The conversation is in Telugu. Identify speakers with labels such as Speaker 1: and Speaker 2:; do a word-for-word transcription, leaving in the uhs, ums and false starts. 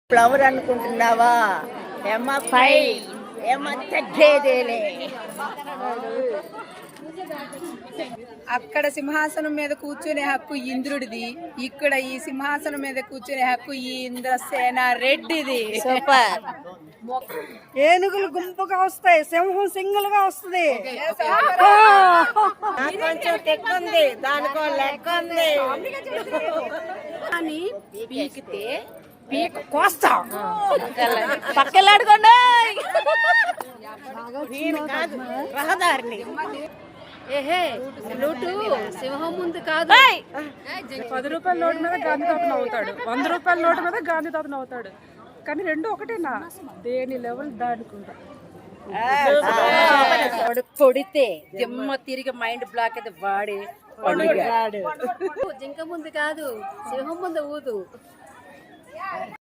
Speaker 1: ఫ్లవర్ అనుకుంటున్నావా? ఏమ పై ఏమ తగ్గేదేలే.
Speaker 2: అక్కడ సింహాసనం మీద కూర్చునే హక్కు ఇంద్రుడిది, ఇక్కడ ఈ సింహాసనం మీద కూర్చునే హక్కు ఈ ఇంద్రసేన రెడ్డిది.
Speaker 1: సూపర్.
Speaker 3: ఏనుగులు గుంపుగా వస్తాయి, సింహం సింగిల్ గా వస్తుంది.
Speaker 1: కొంచెం తెక్కుంది, దానికో లెక్క ఉంది.
Speaker 2: అని పీకితే పీక కోస్తా
Speaker 1: పక్కలాడుకోండి. రహదారిని
Speaker 2: ఏహే నోటు సింహం ముందు కాదు.
Speaker 3: పది రూపాయల నోటు మీద గాంధీ తాత నవ్వుతాడు, వంద రూపాయల నోటు మీద గాంధీ తాత నవ్వుతాడు. కానీ రెండు ఒకటేనా? దేని లెవెల్ దాడుకుంటా.
Speaker 2: కొడితే దిమ్మ తిరిగి మైండ్ బ్లాక్ అయితే వాడి జింక ముందు కాదు, సింహం ముందు ఊదు.